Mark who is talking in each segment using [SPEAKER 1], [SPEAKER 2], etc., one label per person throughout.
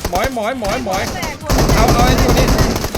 [SPEAKER 1] หมอยเอาไอ้ตัวนี้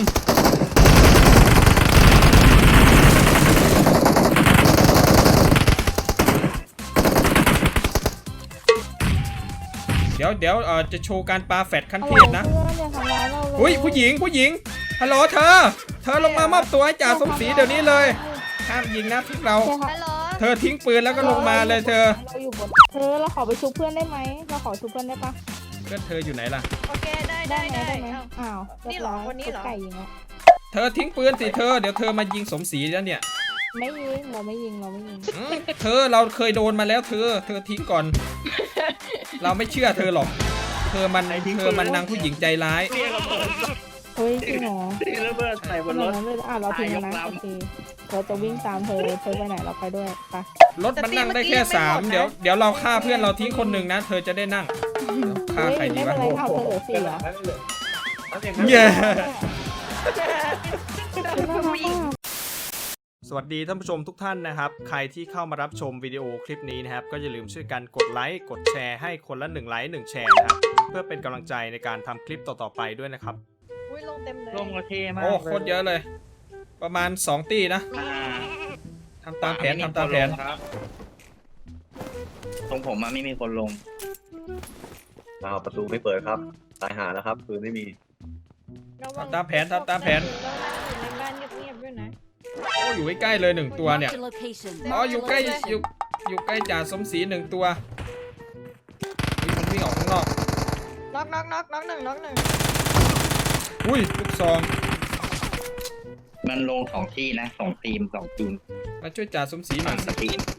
[SPEAKER 1] เดี๋ยวจะโชว์การปาแฟดขั้นเทพนะอุ้ยผู้หญิงฮัลโหลเธอลงมามอบตัวให้จ่าสมศรีเดี๋ยวนี้เลยห้ามยิงนะพวกเราเธอทิ้งปืนแล้วก็ลงมาเลยเธอ
[SPEAKER 2] เราขอไปชุบเพื่อนได้ไหมเราขอชุบเพื่อนได้ปะ
[SPEAKER 1] เพื่อนเธออยู่ไหนล่ะ
[SPEAKER 3] โอเคได้
[SPEAKER 2] อ้าว
[SPEAKER 3] นี่หรอคนนี้หรอ
[SPEAKER 2] ไก่ยิงอ่ะ
[SPEAKER 1] เธอทิ้งปืนสิเธอเดี๋ยวเธอมายิงสมศรีแล้วเนี่ย
[SPEAKER 2] ไม่ยิงเราไม่ยิง
[SPEAKER 1] เราเคยโดนมาแล้วเธอทิ้งก่อนเราไม่เชื่อเธอหรอกเธอมันนางผู้หญิงใจร้าย
[SPEAKER 2] เฮ้ยจริงเหรอ
[SPEAKER 4] ระเบิดใส่บนรถ
[SPEAKER 2] เราทิ้งนะโอเคเราจะวิ่งตามเธอไปไหนเราไปด้วยไป
[SPEAKER 1] รถมันนั่งได้แค่3เดี๋ยวเราฆ่าเพื่อนเราทิ้งคนหนึ่งนะเธอจะได้นั่งฆ่าใครดีวะเย้สวัสดีท่านผู้ชมทุกท่านนะครับใครที่เข้ามารับชมวิดีโอคลิปนี้นะครับก็อย่าลืมช่วยกันกดไลค์กดแชร์ให้คนละ1 ไลค์1 แชร์นะครับเพื่อเป็นกำลังใจในการทำคลิปต่อๆไปด้วยนะครับ
[SPEAKER 3] ลงเต็มเลย
[SPEAKER 4] ลงโอเคมาก
[SPEAKER 1] โอ้โคตรเยอะเลยประมาณ2 ตีนะทำตามแผนครับ
[SPEAKER 4] ตรงผมไม่มีคนลง
[SPEAKER 5] ประตูไม่เปิดครับตายหาแล้วครับปืนไม่มี
[SPEAKER 1] ทำตามแผน
[SPEAKER 3] ในบ้านเงียบๆด้วยนะ
[SPEAKER 1] โอ้อยู่ใกล้ๆเลย1 ตัวเนี่ยอ๋ออยู่ใกล้จ่าสมศรี1 ตัวมันวิ่งออกข้างนอก
[SPEAKER 3] น็อกหนึ่ง
[SPEAKER 1] อุ้ยลูกซอง
[SPEAKER 4] มันลง2 ที่นะ2 ทีม
[SPEAKER 1] มาช่วยจ่าสมศรีหน่อย
[SPEAKER 4] สตีม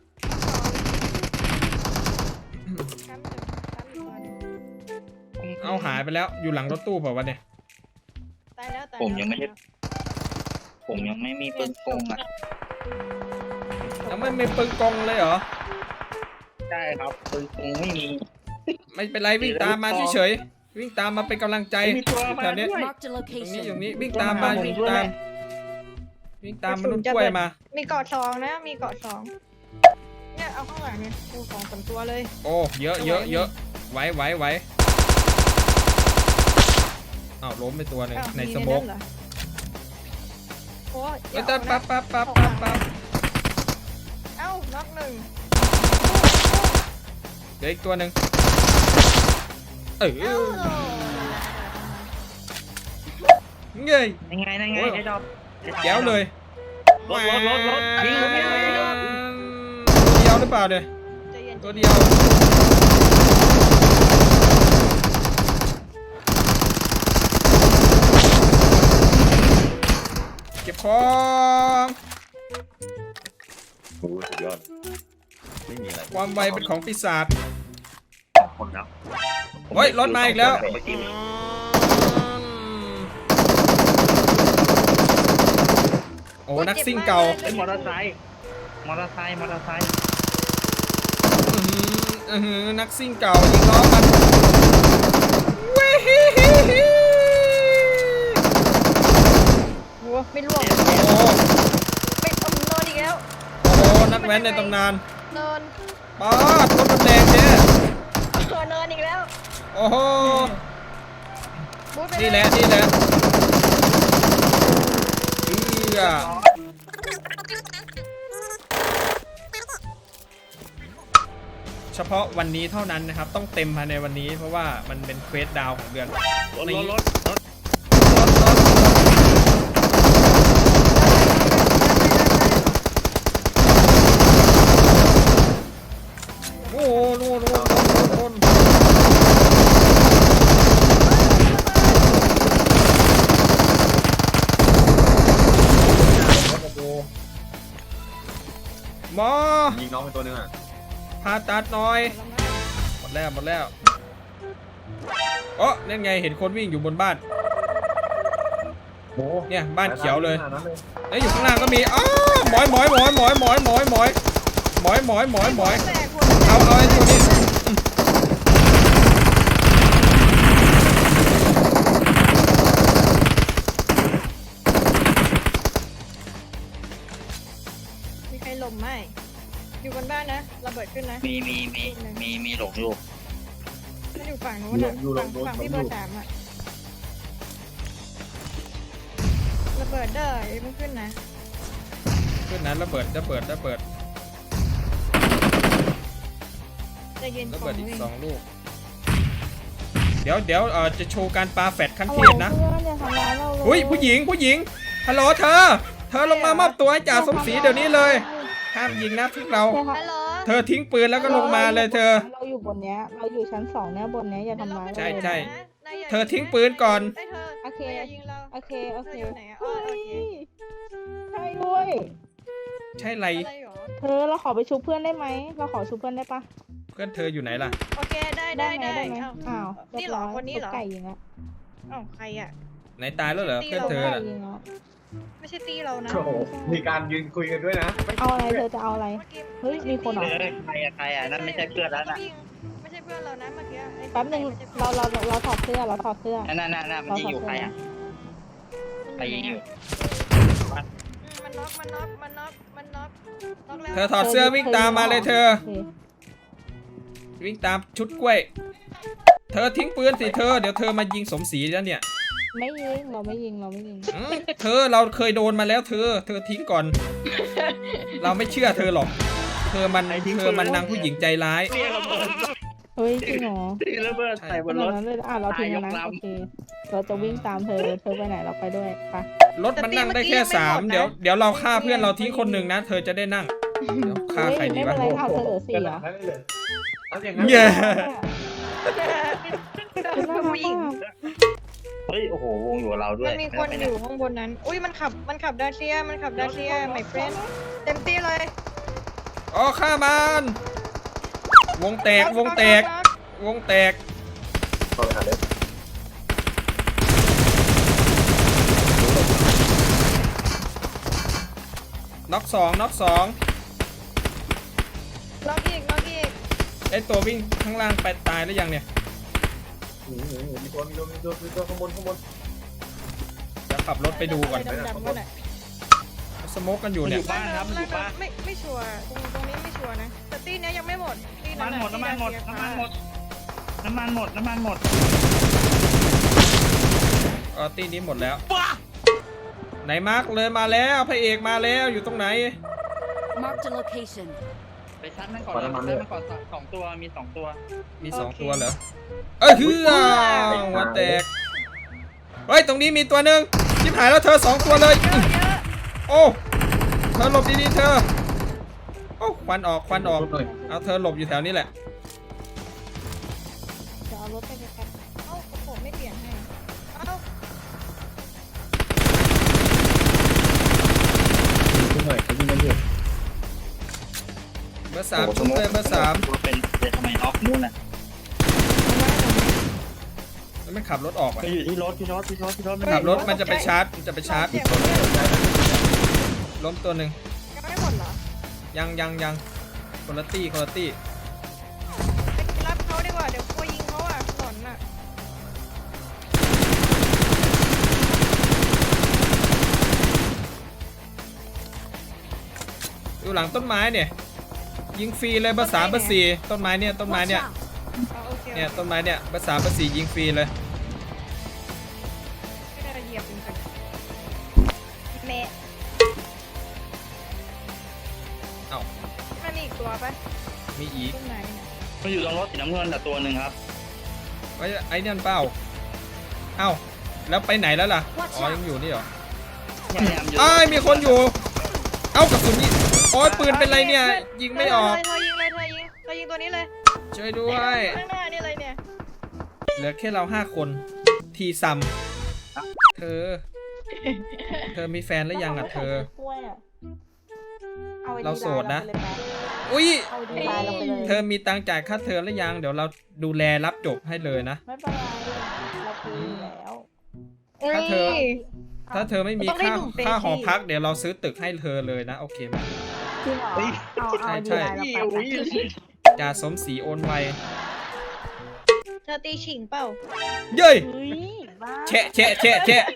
[SPEAKER 1] เอาหายไปแล้วอยู่หลังรถตู้เปล่าวะเนี่ย
[SPEAKER 3] ตายแล้ว
[SPEAKER 4] ผมยังไม่มีปืนกงอ่ะ
[SPEAKER 1] ยังไม่มีปืนกงเลยเหรอ
[SPEAKER 4] ใช่ครับปืนกงไม่มี
[SPEAKER 1] ไม่เป็นไรวิ่งตามมาเฉยๆวิ่งตามมาเป็นกำลังใจแถวนี้อย่างนี้วิ่งตามมาวิ่งตามมนุษย์กล้วยมา
[SPEAKER 3] มีเกาะ2นะมีเกาะ2เนี่ยเอาข้างหลังเนี่ยดู2-3 ตัวเลย
[SPEAKER 1] โอ้เยอะไหวอ้าวล้มไปตัวนึงในสโมก
[SPEAKER 3] โอ้ย
[SPEAKER 1] ปั๊บ
[SPEAKER 3] เอ้าน็อก1
[SPEAKER 1] เดี๋ยวอีกตัวนึงเงย
[SPEAKER 4] ยังไงไอ้ดอก
[SPEAKER 1] แก้วเลย
[SPEAKER 4] รถยิง
[SPEAKER 1] ตัวเดียวหรือเปล่าเนี่ยตัวเดียวเก็บของ
[SPEAKER 5] โอ้สุดยอดไม่มีอะไร
[SPEAKER 1] ความไวเป็นของปีศาจ
[SPEAKER 5] คนนะ
[SPEAKER 1] เฮ้ยรถมาอีกแล้วโอ้นักซิ่งเก่า
[SPEAKER 4] เป็นมอเตอร์ไซค์
[SPEAKER 1] นักซิ่งเก่ายิงล้อมัน
[SPEAKER 3] หัวไม่ร่วงไปตำนานอีกแล้ว
[SPEAKER 1] โอ้นักแว้นในตำนาน
[SPEAKER 3] เนิน
[SPEAKER 1] ป้ารถมันแดงเจ๊
[SPEAKER 3] เนินอีกแล้ว
[SPEAKER 1] โอ้โหนี่แหละเฉพาะวันนี้เท่านั้นนะครับต้องเต็มภายในวันนี้เพราะว่ามันเป็นเควสดาวของเดือน
[SPEAKER 4] รถ
[SPEAKER 1] โอ้โหหมอ
[SPEAKER 5] ยิงน้องเป็นตัวนึงอ่ะ
[SPEAKER 1] ผ่าตัดหน่อยหมดแล้วโอ้นั่นไงเห็นคนวิ่งอยู่บนบ้านเนี่ยบ้านเขียวเลยแล้วอยู่ข้างล่างก็มีอ้าวหมอยเอาไอ้ตัวนี้
[SPEAKER 3] มีใครหล่มไหมอยู่บนบ้านนะระเบิดขึ้นนะ
[SPEAKER 4] มีหลงอยู่
[SPEAKER 3] อยู่ฝั่งนู้นอ่ะฝั่งที่เบอร์ 3อ่ะระเบิดเด้ออย่าเพิ่งขึ้นนะ
[SPEAKER 1] ขึ้นนั้นระเบิด
[SPEAKER 3] จะยืน
[SPEAKER 1] ระเบิดอีก2 ลูกเดี๋ยวจะโชว์การปาแฟดขั้นเทพนะ
[SPEAKER 2] เพื่อนอย่าทำร้ายเราเลย
[SPEAKER 1] อุ้ยผู้หญิงฮัลโหลเธอลงมามอบตัวให้จ่าสมศรีเดี๋ยวนี้เลยห้ามยิงนะพวกเรา
[SPEAKER 3] ฮัลโหล
[SPEAKER 1] เธอทิ้งปืนแล้วก็ลงมาเลยเธอ
[SPEAKER 2] เราอยู่บนเนี้ยเราอยู่ชั้น2เนี่ยบนเนี้ยอย่าทำร้ายเรา
[SPEAKER 1] ใช่
[SPEAKER 2] เลย
[SPEAKER 1] ใช่
[SPEAKER 2] นะ
[SPEAKER 1] เธอทิ้งปืนก่อน
[SPEAKER 3] โอเคอย่ายิงเรา
[SPEAKER 2] โอเค
[SPEAKER 3] เธออยู่ไหนอ๋อโอเค
[SPEAKER 2] ใช่ด้วย
[SPEAKER 1] ใช่ไร
[SPEAKER 3] อะไรหรอ
[SPEAKER 2] เธอเราขอไปชุบเพื่อนได้ไหมเราขอชุบเพื่อนได้ปะ
[SPEAKER 1] เพื่อนเธออยู่ไหนล่ะ
[SPEAKER 3] โอเคได้
[SPEAKER 2] ไหมอ้าว
[SPEAKER 3] นี่เหรอคนนี้เหรอ
[SPEAKER 2] ไก่ยิงอะ
[SPEAKER 3] อ้าวใครอ่ะ
[SPEAKER 1] ไหนตายแล้วเหรอเพื่อนเธอ
[SPEAKER 2] ไก่
[SPEAKER 1] น่ะ
[SPEAKER 2] ยิงอะ
[SPEAKER 3] ไม่ใช่ตีเรานะ
[SPEAKER 5] โอ้โหมีการยืนคุยกันด้วยนะ
[SPEAKER 2] เอาอะไรเธอจะเอาอะไร เฮ้ยมีคนเหรอ
[SPEAKER 4] ใครอ่ะนั่นไม่ใช่เพื่อนแล้วนะ
[SPEAKER 3] ไม่ใช่เพื่อนเรานะเมื่อกี้ไอ้
[SPEAKER 2] แป๊บนึงเราถอดเสื้อ
[SPEAKER 4] นั่นมันยิงอยู่ใครอ่ะใครยิงอยู่
[SPEAKER 3] มันน็อกแล้ว
[SPEAKER 1] เธอถอดเสื้อวิ่งตามมาเลยเธอ
[SPEAKER 2] โค
[SPEAKER 1] วิ่งตามชุดกล้วย เธอทิ้งปืนสิเธอเดี๋ยวเธอมายิงสมศรีแล้วเนี่ย
[SPEAKER 2] ไม่ยิงเราไม่ยิง
[SPEAKER 1] เราเคยโดนมาแล้วเธอทิ้งก่อน เราไม่เชื่อเธอหรอก เธอมันนางผู้หญิงใจร้าย
[SPEAKER 2] เฮ้ยจริงเหรอ
[SPEAKER 4] ที่ระเบิดใส่บนรถ
[SPEAKER 2] นั้นเลยเราทิ้งแล้วนะโอเคเราจะวิ่งตามเธอไปไหนเราไปด้วยไป
[SPEAKER 1] รถมันนั่งได้แค่3เดี๋ยวเราฆ่าเพื่อนเราทิ้งคนหนึ่งนะเธอจะได้นั่งเดี๋ยวฆ่าใครดี
[SPEAKER 2] ไม่
[SPEAKER 1] วะ
[SPEAKER 2] เป็นไรเอาเธอเหลือ4เหรอ
[SPEAKER 5] นั่นเลยเอาอย่างนั้น
[SPEAKER 1] เย้
[SPEAKER 3] ผู้หญิง
[SPEAKER 4] เฮ้ยโอ้โหวงอยู่กับเราด้ว
[SPEAKER 3] มั
[SPEAKER 4] ย
[SPEAKER 3] นมีคนอยู่ข้างบนนั้นอุ้ยมันขับดาเซียmy friend เต็มที่เลย
[SPEAKER 1] อ๋อฆ่ามันวงแตก
[SPEAKER 5] เข้าไปหาเลย
[SPEAKER 1] น็อกสอง
[SPEAKER 3] ล็อกอีก
[SPEAKER 1] ไอตัววิ่งข้างล่างไปตายแล้วยังเนี่ย
[SPEAKER 5] มีตัวข้างบน
[SPEAKER 1] จะขับรถไปดูก่อน
[SPEAKER 3] ดำๆก็ได้
[SPEAKER 1] สโมกกันอยู่
[SPEAKER 4] มันอ
[SPEAKER 1] เนี่ย
[SPEAKER 4] ยู่บ้านครับมันอยู่บ้าน
[SPEAKER 3] ไม่ชัวร์ตรงนี้ไม่ชัวร์นะแต่ตีเนี้ยยังไม่หมดตี
[SPEAKER 4] น้ำมันหมด
[SPEAKER 1] ตีนี้หมดแล้วไหนมาร์กเลยมาแล้วพระเอกมาแล้วอยู่ตรงไหน
[SPEAKER 6] Marked a location.
[SPEAKER 4] ไปซัดมันก่อนเลยซัดมันก่อน2 ตัวมี2 ตัว
[SPEAKER 1] มี2 ตัวเหรอเฮือหัวแตกเฮ้ยตรงนี้มีตัวหนึ่งชิบหายแล้วเธอ2 ตัวเลย
[SPEAKER 3] เยอะ
[SPEAKER 1] โอ้เธอหลบดีๆเธอโอ้ควันออกเอาเธอหลบอยู่แถวนี้แหละ
[SPEAKER 2] จะเอารถไปไกล
[SPEAKER 3] เอ้าผมไม่เปลี่ยนให้เอ้า
[SPEAKER 5] ขึ้นหน่อยขึ้นกันอยู่
[SPEAKER 1] เบอร์ 3ชุบเลยเบอร์
[SPEAKER 4] เป็นทำไมออกนู่นน่ะ
[SPEAKER 1] 3แล้วมันขับรถออกว่ะ
[SPEAKER 4] ไปอยู่ที่รถ
[SPEAKER 1] ขับรถมันจะไปชาร์จล้มตัวหนึ่ง
[SPEAKER 3] ยังไม่หมดเหรอ
[SPEAKER 1] ยังคนละตี้
[SPEAKER 3] ไปรับเขาดีกว่าเดี๋ยวกลัวยิงเขาอ่ะหลอนอ่ะ
[SPEAKER 1] อยู่หลังต้นไม้เนี่ยยิงฟรีเลยเบอร์ 3 เบอร์ 4ต้นไม้เนี่ย
[SPEAKER 6] Watch out.
[SPEAKER 3] โอเค
[SPEAKER 1] เนี่ยต้นไม้เนี่ยเบอร์ 3 เบอร์ 4ยิงฟรีเลย
[SPEAKER 3] ไม่ได้เหยียบมันกันเมะ
[SPEAKER 1] เอ้า
[SPEAKER 3] มันมีอีกตัวปะ
[SPEAKER 1] มีอีก
[SPEAKER 3] ตรงไหนเนี่ย
[SPEAKER 4] มันอยู่ตรงรถสีน้ำเงินแต่ตัวหนึ่งครับ
[SPEAKER 1] ไอ้เนี่ยเปล่าเอ้าแล้วไปไหนแล้วล่ะ
[SPEAKER 6] Watch
[SPEAKER 1] อ๋อยังอยู่นี่เหรอ
[SPEAKER 4] พยายามอยู่
[SPEAKER 1] อ้ายมีคนอยู่ เอ้ากระสุนนี่โอ้ยปืนเป็นไรเนี่ยยิงไม่ออก
[SPEAKER 3] เธอยิงตัวนี้เลย
[SPEAKER 1] ช่วยด้วย
[SPEAKER 3] ข้างหน้านี่เลยเนี่ย
[SPEAKER 1] เหลือแค่เรา5 คนทีซัมเธอมีแฟนหรือยังอ่ะเธอ
[SPEAKER 2] กล้วยอะอไอ้
[SPEAKER 1] เราโสดนะ
[SPEAKER 2] ดีไลน์
[SPEAKER 1] อุ้ย
[SPEAKER 2] เราไปเลยไปเอาดีไลน์เราไปเลย
[SPEAKER 1] เธอมีตังค์จ่ายค่าเทอมหรือยังเดี๋ยวเราดูแลรับจบให้เลยนะ
[SPEAKER 2] ไม่เป็นไรเราคุยแล้ว
[SPEAKER 1] ถ้าเธอ ถ้าเธอไม่มี
[SPEAKER 3] ต้องได้
[SPEAKER 1] ค่า
[SPEAKER 3] หนุ่มเปย์
[SPEAKER 1] ค่าหอพักเดี๋ยวเราซื้อตึกให้เธอเลยนะโอเคไหม
[SPEAKER 2] จริงเหรอเอาดีไลน์เราไป
[SPEAKER 1] จ่าสมศรีโอนไว
[SPEAKER 3] เธอตีฉิงเปล่า
[SPEAKER 1] เย้ย
[SPEAKER 2] เฮ้ยบ้า
[SPEAKER 1] แฉะ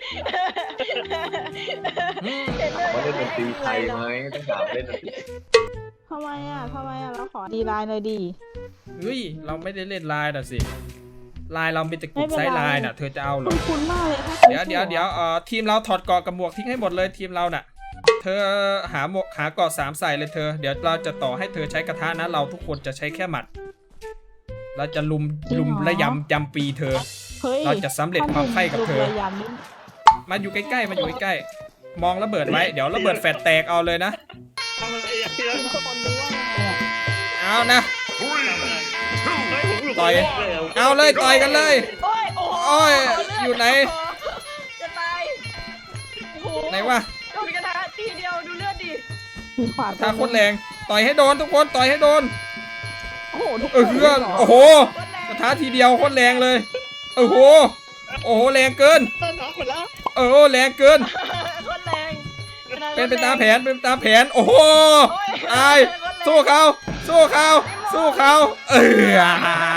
[SPEAKER 1] อืม
[SPEAKER 5] ว่าเล่นดนตรีไทยไหมต้องถามเล่นดนตรี
[SPEAKER 2] ทำไมเราขอดีไลน์หน่อยดี
[SPEAKER 1] เฮ้ยเราไม่ได้เล่นไลน์น่ะสิลายเราเป็นแต่กลุ่มไซส์ลายน่ะเธอจะเอาเหรอ
[SPEAKER 2] คุ้นมากเลยค่ะ
[SPEAKER 1] เดี๋ยวทีมเราถอดเกราะกับหมวกทิ้งให้หมดเลยทีมเราน่ะ เธอหาหมวกหาเกราะ3ใส่เลยเธอเดี๋ยวเราจะต่อให้เธอใช้กระทะนะเราทุกคนจะใช้แค่หมัด เราจะลุมและยำปีเธอ
[SPEAKER 2] เฮ้ย
[SPEAKER 1] เราจะสำเร็จความใคร่กับเธอ
[SPEAKER 2] ลูระยำนี่
[SPEAKER 1] มาอยู่ใกล้ๆมาอยู่ใกล้ๆมองระเบิดไว้เดี๋ยวระเบิดแฟดแตกเอาเลยนะ
[SPEAKER 4] ทำอะไรอย่างเงี้ย
[SPEAKER 2] คนรู้ว่าเนี่ย
[SPEAKER 1] เอานะ ต่อย
[SPEAKER 4] เลย
[SPEAKER 1] เอาเลยต่อยกันเลย
[SPEAKER 3] โอ้ยโอ้โห
[SPEAKER 1] โอ้ยอยู่ไหน
[SPEAKER 3] จะตายโอ้โห
[SPEAKER 1] ไหนวะ
[SPEAKER 3] โดนกระทะทีเดียวดูเลือดดิ
[SPEAKER 2] มีขวา
[SPEAKER 1] ถ้าโคตรแรงต่อยให้โดนทุกคนต่อยให้โดน
[SPEAKER 2] โอ้โหทุกค
[SPEAKER 1] เออน เพื่อนโอ้โหกระทะทีเดียวโคตรแรงเลยโอ้โหแรงเกิน
[SPEAKER 4] ต้นน้องคนละ
[SPEAKER 1] แรงเกิน
[SPEAKER 3] โคตรแรง
[SPEAKER 1] เป็นไปตามแผนโอ้โหตายสู้เขาเออ